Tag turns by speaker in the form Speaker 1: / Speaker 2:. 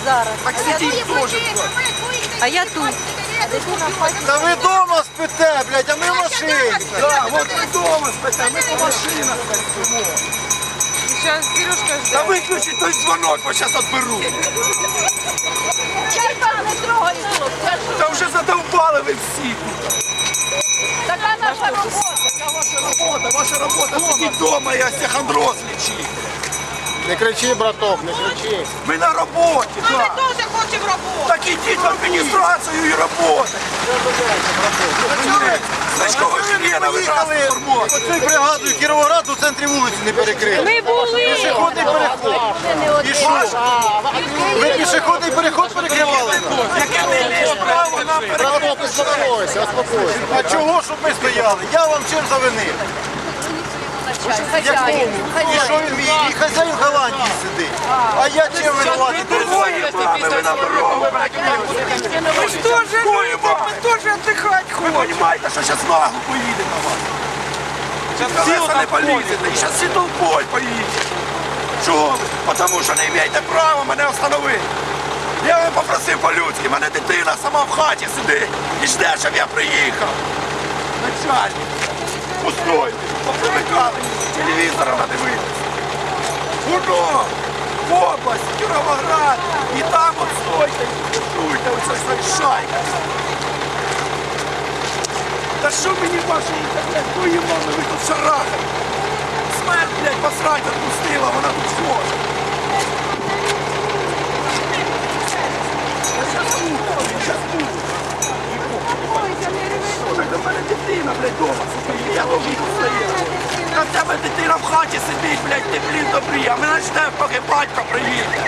Speaker 1: зараз.
Speaker 2: Так сидіть теж.
Speaker 1: А я тут.
Speaker 3: Та ви вдома спите, блядь, а ми в машині.
Speaker 2: Так, от ви вдома спите, ми по машинах спимо.
Speaker 1: Зараз Сережка
Speaker 2: Та
Speaker 1: жде.
Speaker 2: виключіть той дзвонок, бо зараз відберу.
Speaker 4: Я там не трогаю, хлопці.
Speaker 2: Та вже задовбали ви всі.
Speaker 4: Така наша робота.
Speaker 2: Ваша робота, сидіть вдома і остеохондроз лічіть.
Speaker 3: Не кричи, браток, не кричи.
Speaker 2: Ми на роботі,
Speaker 4: Ми
Speaker 2: так.
Speaker 4: теж хочемо роботу.
Speaker 2: Так ідіть в адміністрацію і роботи. Значково члена ви нас
Speaker 3: Поїхали
Speaker 2: формуєте.
Speaker 3: оцею бригадою Кіровоград у центрі вулиці не перекрили.
Speaker 1: Ми були.
Speaker 3: Пішохідний переход. І що? Ви пішохідний переход перекривали?
Speaker 2: Яке не ліж право нам
Speaker 3: Браток, успокойся, успокойся. А чого, щоб ми стояли? Я вам чим завинив? Якому? І що він мій? І хазяїн Голландії сидить. А я чим винуватий?
Speaker 2: Двоє мами, ви нам дорогу. Ми ж теж любимо, ми теж віддихати хочемо. Ви розумієте, що зараз нагло поїде на вас. Зараз колеса не полізете, і зараз всі толпою поїдете. Чого ви? Тому що не маєте права мене встановити. Я вам попросив по-людськи, мене дитина сама в хаті сидить і жде, щоб я приїхав. Начальник, пустой, попривикали, телевізора надивитися. Воно, в область, Кіровоград, і там от стойте, і слухайте, оце ж шайка. Та що мені ваші інтернет, твої мами, ви тут шарахаєте? Смерть, блядь, посрать відпустила, вона тут схожа. Так до мене дитина, блядь, дома сидить, я ловлю стояти. Та в тебе дитина в хаті сидить, блядь, ти, блін, добрі, а мене жде, поки батько приїде.